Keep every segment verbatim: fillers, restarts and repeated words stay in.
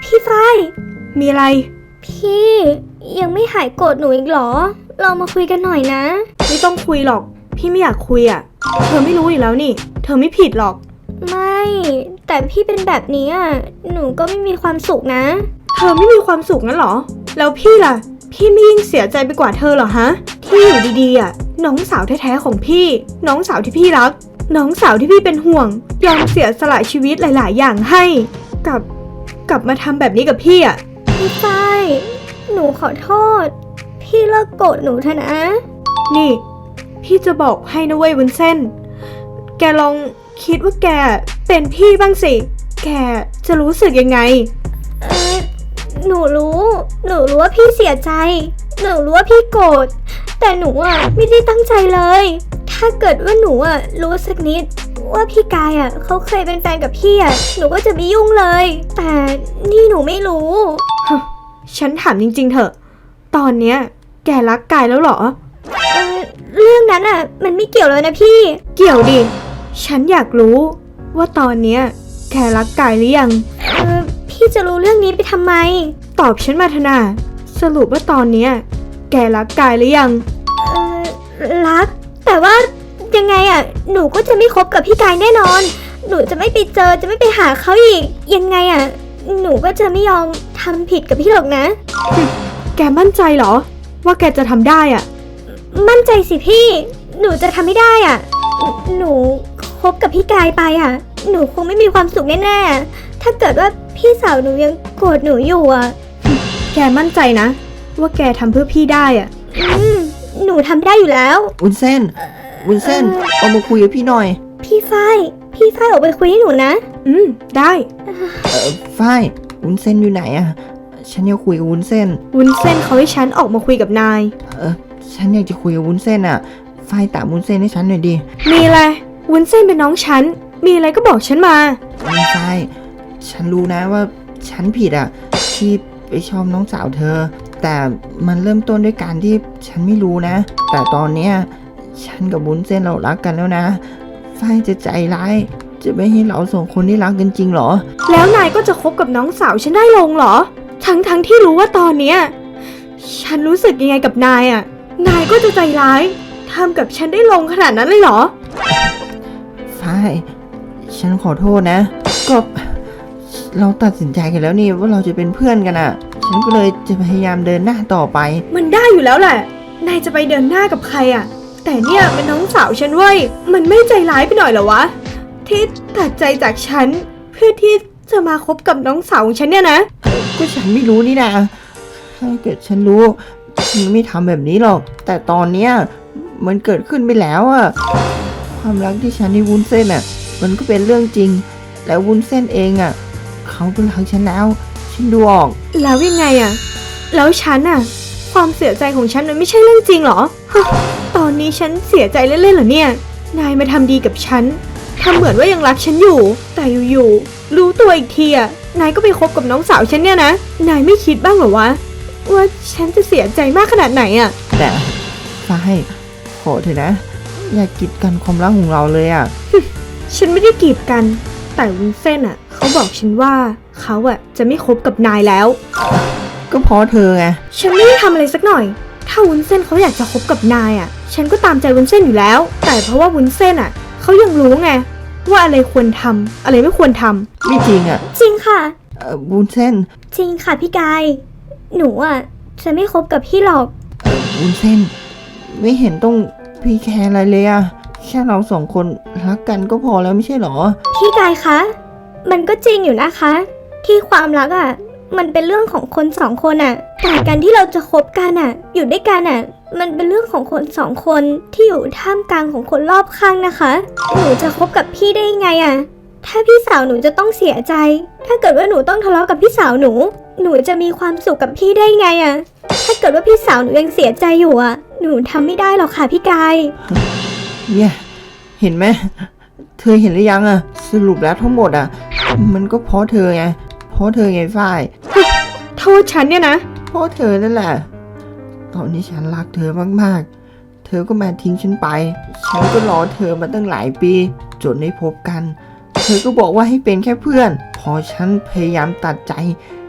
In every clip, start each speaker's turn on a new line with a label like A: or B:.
A: พี่ฝ้าย
B: มีอะไร
A: พี่ยังไม่หายโกรธหนูอีกเหรอเรามาคุยกันหน่อยนะ
B: ไม่ต้องคุยหรอกพี่ไม่อยากคุยอ่ะเธอไม่รู้อยู่แล้วนี่เธอไม่ผิดหรอก
A: ไม่แต่พี่เป็นแบบนี้อ่ะหนูก็ไม่มีความสุขนะ
B: เธอไม่มีความสุขงั้นเหรอแล้วพี่ล่ะพี่ไม่ยิ่งเสียใจไปกว่าเธอเหรอฮะที่อยู่ดีๆอ่ะน้องสาวแท้ๆของพี่น้องสาวที่พี่รักน้องสาวที่พี่เป็นห่วงยอมเสียสละชีวิตหลายๆอย่างให้กับกลับมาทำแบบนี้กับพี่อ่ะ
A: พี่ฝ้ายหนูขอโทษพี่เลิกโกรธหนูเถอะนะ
B: นี่พี่จะบอกให้นะเว้ยวุ้นเส้นแกลองคิดว่าแกเป็นพี่บ้างสิแกจะรู้สึกยังไง
A: เออหนูรู้หนูรู้ว่าพี่เสียใจหนูรู้ว่าพี่โกรธแต่หนูอ่ะไม่ได้ตั้งใจเลยถ้าเกิดว่าหนูอ่ะรู้สักนิดว่าพี่กายอ่ะเขาเคยเป็นแฟนกับพี่อ่ะหนูก็จะไม่ยุ่งเลยแต่นี่หนูไม่รู้
B: ฉันถามจริงๆเถอะตอนเนี้ยแกรักกายแล้วเหรอ
A: เออเรื่องนั้นอ่ะมันไม่เกี่ยวเลยนะพี่
B: เกี่ยวดิฉันอยากรู้ว่าตอนเนี้ยแกรักกายหรือยัง
A: เออพี่จะรู้เรื่องนี้ไปทำไม
B: ตอบฉันมาเถอะนะสรุปว่าตอนเนี้ยแกรักกายหรือยัง
A: เออรักแต่ว่ายังไงอ่ะหนูก็จะไม่คบกับพี่กายแน่นอนหนูจะไม่ไปเจอจะไม่ไปหาเขาอีกยังไงอ่ะหนูก็จะไม่ยอมทำผิดกับพี่หรอกนะ
B: แกมั่นใจเหรอว่าแกจะทำได้อ่ะ
A: มั่นใจสิพี่หนูจะทำไม่ได้อ่ะหนูคบกับพี่กายไปอ่ะหนูคงไม่มีความสุขแน่ๆถ้าเกิดว่าพี่สาวหนูยังโกรธหนูอยู่อ่ะ
B: แกมั่นใจนะว่าแกทำเพื่อพี่ได้อ่ะ
A: อืมหนูทำได้อยู่แล้ว
C: วุ้นเส้นวุ้นเส้นเอามาคุยกับพี่หน่อย
A: พี่ฝ้ายพี่ฝ้ายออกไปคุยให้หนูนะ
B: อืมได้
C: เออฝ้ายวุ้นเส้นอยู่ไหนอ่ะฉันอยากคุยกับวุ้นเส้น
B: วุ้นเส้นเขาให้ฉันออกมาคุยกับนาย
C: เออฉันอยากจะคุยกับวุ้นเส้นอ่ะฝ้ายตามวุ้นเส้นให้ฉันหน่อยดิ
B: มีอะไรวุ้นเส้นเป็นน้องฉันมีอะไรก็บอกฉันมา
C: ฝ้ายฉันรู้นะว่าฉันผิดอ่ะที่ไปชอบน้องสาวเธอแต่มันเริ่มต้นด้วยการที่ฉันไม่รู้นะแต่ตอนเนี้ยฉันกับวุ้นเส้นเรารักกันแล้วนะฝ้ายจะใจร้ายจะไม่ให้เราสองคนได้รักกันจริงเหรอ
B: แล้วนายก็จะคบกับน้องสาวฉันได้ลงเหรอทั้งทั้งที่รู้ว่าตอนเนี้ยฉันรู้สึกยังไงกับนายอ่ะนายก็จะใจร้ายทำกับฉันได้ลงขนาดนั้นเลยเหรอ
C: ฝ้ายฉันขอโทษนะก็เราตัดสินใจกันแล้วนี่ว่าเราจะเป็นเพื่อนกันอ่ะฉันก็เลยจะพยายามเดินหน้าต่อไป
B: มันได้อยู่แล้วแหละนายจะไปเดินหน้ากับใครอ่ะแต่เนี่ยเป็นน้องสาวฉันเว้ยมันไม่ใจร้ายไปหน่อยเหรอวะที่ตัดใจจากฉันเพื่อที่จะมาคบกับน้องสาวของฉันเนี่ยนะ
C: ก็ฉันไม่รู้นี่นะถ้าเกิดฉันรู้ฉันไม่ทำแบบนี้หรอกแต่ตอนเนี้ยมันเกิดขึ้นไปแล้วอะความรักที่ฉันให้วุ้นเส้นอะมันก็เป็นเรื่องจริงแล้ววุ้นเส้นเองอะเขาก็รักฉันแล้วฉันดูออก
B: แล้วยังไงอะแล้วฉันอะความเสียใจของฉันมันไม่ใช่เรื่องจริงเหรอตอนนี้ฉันเสียใจเล่นๆเหรอเนี่ยนายมาทำดีกับฉันทำเหมือนว่ายังรักฉันอยู่แต่อยู่ๆรู้ตัวอีกทีอะนายก็ไปคบกับน้องสาวฉันเนี่ยนะนายไม่คิดบ้างเหรอวะว่าฉันจะเสียใจมากขนาดไหนอะ
C: แต่ฝ้ายขอเถอะนะอย่ากีดกันความรักของเราเลยอะ
B: ฉันไม่ได้กีดกันแต่วุ้นเส้นอะเขาบอกฉันว่าเขาอะจะไม่คบกับนายแล้ว
C: ก็เพราะเธอไง
B: ฉันไม่ได้ทำอะไรสักหน่อยถ้าวุ้นเส้นเขาอยากจะคบกับนายอะฉันก็ตามใจวุ้นเส้นอยู่แล้วแต่เพราะว่าวุ้นเส้นอะเขายังรู้ไงว่าอะไรควรทำอะไรไม่ควรทำ
C: ไม่จริงอะ
A: จริงค่ะ
C: เออวุ้นเส้น
A: จริงค่ะพี่กายหนูอะจะไม่คบกับพี่หรอก
C: เออวุ้นเส้นไม่เห็นต้องพี่แคร์อะไรเลยอะแค่เราสองคนรักกันก็พอแล้วไม่ใช่หรอ
A: พี่กายคะมันก็จริงอยู่นะคะที่ความรักอะมันเป็นเรื่องของคนสองคนอะแต่การที่เราจะคบกันอะอยู่ด้วยกันอะมันเป็นเรื่องของคนสองคนที่อยู่ท่ามกลางของคนรอบข้างนะคะหนูจะคบกับพี่ได้ยังไงอะถ้าพี่สาวหนูจะต้องเสียใจถ้าเกิดว่าหนูต้องทะเลาะกับพี่สาวหนูหนูจะมีความสุขกับพี่ได้ไงอะถ้าเกิดว่าพี่สาวหนูยังเสียใจอยู่อะหนูทำไม่ได้หรอกค่ะพี่กาย
C: เนี่ยเห็นไหมเธอเห็นหรือยังอะสรุปแล้วทั้งหมดอะมันก็เพราะเธอไงเพราะเธอไงฝ้าย
B: โทษฉันเนี่ยนะ
C: เพราะเธอนั่นแหละตอนนี้ฉันรักเธอมากๆเธอก็มาทิ้งฉันไปฉันก็รอเธอมาตั้งหลายปีจนได้พบกันเธอก็บอกว่าให้เป็นแค่เพื่อนพอฉันพยายามตัดใจ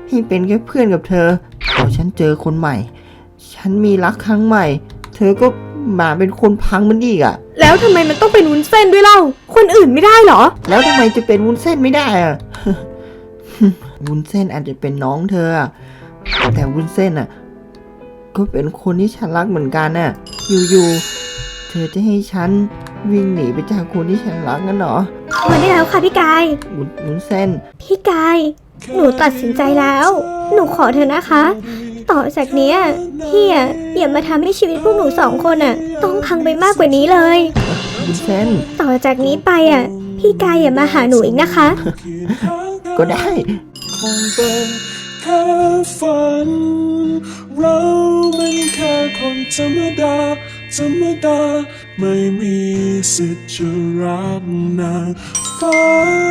C: ให้เป็นแค่เพื่อนกับเธอพอฉันเจอคนใหม่ ฉันมีรักครั้งใหม่ เธอก็มาเป็นคนพังมันอีกอะ
B: แล้วทำไมมันต้องเป็นวุ้นเส้นด้วยเล่า คนอื่นไม่ได้เหรอ
C: แล้วทำไมจะเป็นวุ้นเส้นไม่ได้อะ วุ้นเส้นอาจจะเป็นน้องเธออะแต่วุ้นเส้นอะก็เป็นคนที่ฉันรักเหมือนกันน่ะอยู่ๆเธอจะให้ฉันวิ่งหนีไปจากคนที่ฉันรักงั้นเหรอ
A: พอได้แล้วค่ะพี่กาย
C: วุ้นวุ้นเส้น
A: พี่กาย หนูตัดสินใจแล้ว หนูขอเธอนะคะ ต่อจากเนี้ยพี่อะอย่ามาทำให้ชีวิตพวกหนูสองคนอะต้องพังไปมากกว่านี้เลย
C: วุ้นเส้น
A: ต่อจากนี้ไปอะพี่กายอย่ามาหาหนูอีกนะคะ
C: ก็ได้
D: คงเป็นแค่ฝัน เรามันแค่คนธรรมดา ธรรมดา ไม่มีสิทธิ์จะรักนางฟ้า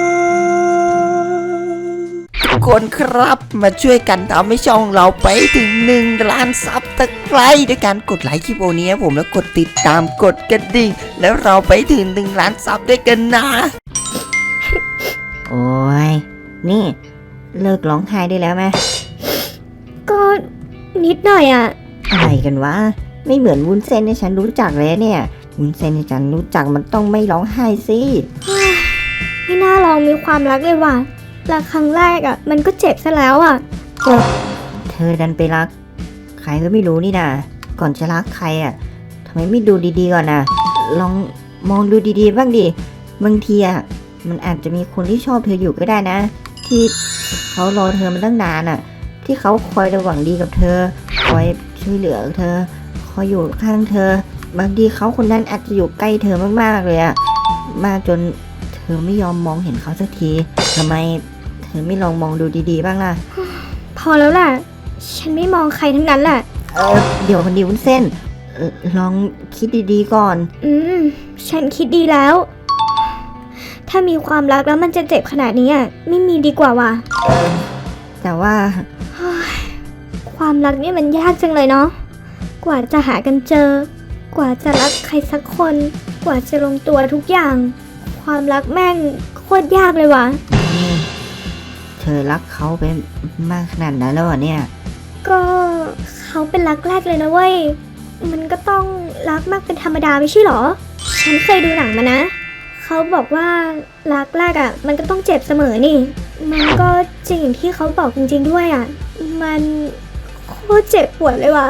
C: ทุกคนครับมาช่วยกันทำให้ช่องเราไปถึงหนึ่งล้านซับตะไคร้ด้วยการกดไลค์คลิปโอนี้ให้ผมแล้วกดติดตามกดกระดิ่งแล้วเราไปถึงหนึ่งล้านซับด้วยกันนะ
E: โอ้ย นี่ เลิกร้องไห้ได้แล้วไหม
A: ก็นิดหน่อยอะ
E: อะไรกันวะ ไม่เหมือนวุ้นเส้นที่ฉันรู้จักเลยเนี่ย วุ้นเส้นที่ฉันรู้จักมันต้องไม่ร้องไห้สิ
A: ไม่น่าลองมีความรักเลยว่ะรักครั้งแรกอะมันก็เจ็บซะแล้วอะ
E: ก็เธอดันไปรัก ใครก็ไม่รู้นี่นะก่อนจะรักใครอ่ะทำไมไม่ดูดีๆก่อนนะลองมองดูดีๆบ้างดิ บางทีอ่ะมันอาจจะมีคนที่ชอบเธออยู่ก็ได้นะ ที่เขารอเธอมาตั้งนานอ่ะ ที่เขาคอยระหวังดีกับเธอ คอยช่วยเหลือเธอ คอยอยู่ข้างเธอ บางทีเขาคนนั้นอาจจะอยู่ใกล้เธอมากๆเลยอ่ะมากจนเธอไม่ยอมมองเห็นเขาสักทีทำไมเธอไม่ลองมองดูดีๆบ้างล่ะ
A: พอแล้วล่ะ ฉันไม่มองใครทั้งนั้นแหละ
E: เออเดี๋ยวคนดีวุ้นเส้นเอ่อลองคิดดีๆก่อน
A: อืม ฉันคิดดีแล้ว ถ้ามีความรักแล้วมันจะเจ็บขนาดนี้อะไม่มีดีกว่าว่ะ
E: แต่ว่า
A: ความรักเนี่ยมันยากจังเลยเนาะ กว่าจะหากันเจอ กว่าจะรักใครสักคน กว่าจะลงตัวทุกอย่าง ความรักแม่งโคตรยากเลยว่ะ
E: นี่เธอรักเขาไปมากขนาดนั้นแล้วเหรอเนี่ย
A: ก็เขาเป็นรักแรกเลยนะเว้ย มันก็ต้องรักมากเป็นธรรมดาไม่ใช่หรอ ฉันเคยดูหนังมานะ เขาบอกว่ารักแรกอะ่ะ มันก็ต้องเจ็บเสมอนี่ มันก็จริงอย่างที่เขาบอกจริงๆด้วยอะ่ะ มันโคตรเจ็บปวดเลยว่ะ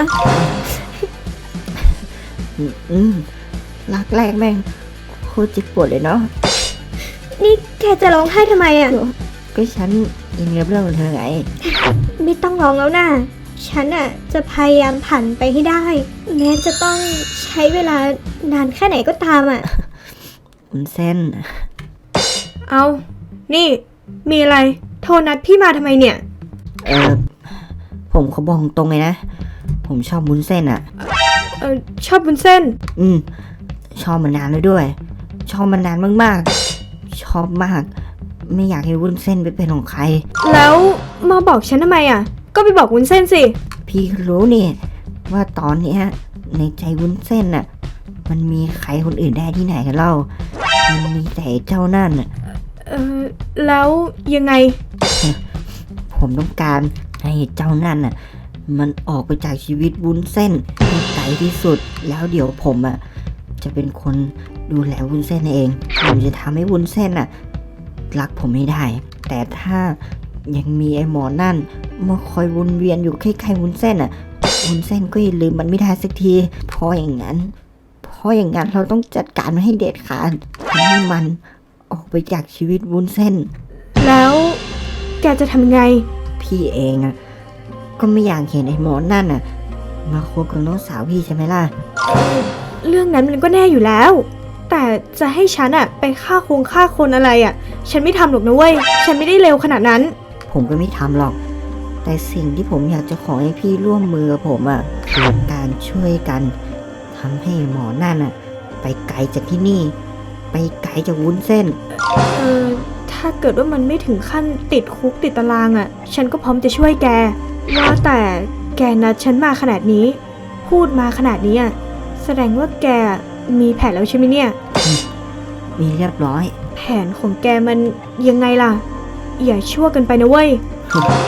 E: อืมอืมรักแรกแม่งโคตรเจ็บปวดเลยเนาะ
A: นี่แกจะร้องไห้ทำไมอะ่ะ
E: ก็ฉันอินกับเรื่องของเธอไง
A: ไม่ต้องร้องแล้วนะฉันอ่ะจะพยายามผ่านไปให้ได้ แม้จะต้องใช้เวลานานแค่ไหนก็ตามอ่ะ
E: วุ้นเส้น
B: เอา นี่ มีอะไร โทรนัดพี่มาทำไมเนี่ย
E: เออผมเขาบอกตรงเลยนะ ผมชอบวุ้นเส้นอะ
B: เออชอบวุ้นเส้น
E: อืม ชอบมานานแล้วด้วย ชอบมานานมากๆ ชอบมาก ไม่อยากให้วุ้นเส้นไปเป็นของใคร
B: แล้วมาบอกฉันทำไมอ่ะ ก็ไปบอกวุ้นเส้นสิ
E: พี่ก็รู้นี่ว่าตอนเนี้ยในใจวุ้นเส้นน่ะ มันมีใครคนอื่นได้ที่ไหนกันเล่า มันมีแต่เจ้านั่นน่ะ
B: เออแล้วยังไง
E: ผมต้องการให้เจ้านั่นน่ะ มันออกไปจากชีวิตวุ้นเส้นให้ไกลที่สุด แล้วเดี๋ยวผมอ่ะจะเป็นคนดูแลวุ้นเส้นเอง ผมจะทำให้วุ้นเส้นน่ะรักผมไม่ได้ แต่ถ้ายังมีไอ้หมอนั่นมาคอยวนเวียนอยู่ใกล้ๆวุ้นเส้นอ่ะ วุ้นเส้นก็อย่าลืมมันไม่ได้สักทีเพราะอย่างนั้นเพราะอย่างนั้นเราต้องจัดการมันให้เด็ดขาดทำให้มันออกไปจากชีวิตวุ้นเส้น
B: แล้วแกจะทำไง
E: พี่เองอ่ะก็ไม่อยากเห็นไอ้หมอนั่นอ่ะมาคบกับน้องสาวพี่ใช่ไหมล่ะ
B: เรื่องนั้นมันก็แน่อยู่แล้ว แต่จะให้ฉันอะไปฆ่าคงฆ่าคนอะไรอะฉันไม่ทำหรอกนะเว้ย ฉันไม่ได้เลวขนาดนั้น
E: ผมก็ไม่ทำหรอก แต่สิ่งที่ผมอยากจะขอให้พี่ร่วมมือกับผมอ่ะคือการช่วยกันทำให้หมอนั่นอ่ะไปไกลจากที่นี่ ไปไกลจากวุ้นเส้น
B: เออ ถ้าเกิดว่ามันไม่ถึงขั้นติดคุกติดตารางอะฉันก็พร้อมจะช่วยแก ว่าแต่แกนัดฉันมาขนาดนี้ พูดมาขนาดนี้อะแสดงว่าแกมีแผนแล้วใช่ไหมเนี่ย
E: มีเรียบร้อย
B: แผนของแกมันยังไงล่ะ อย่าชั่วกันไปนะเว้ย
E: ผ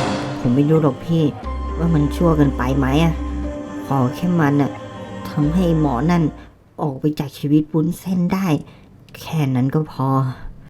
E: ผมไม่รู้หรอกพี่ว่ามันชั่วเกินไปไหมอะขอแค่มันอะทำให้หมอนั่นออกไปจากชีวิตวุ้นเส้นได้ แค่นั้นก็พอ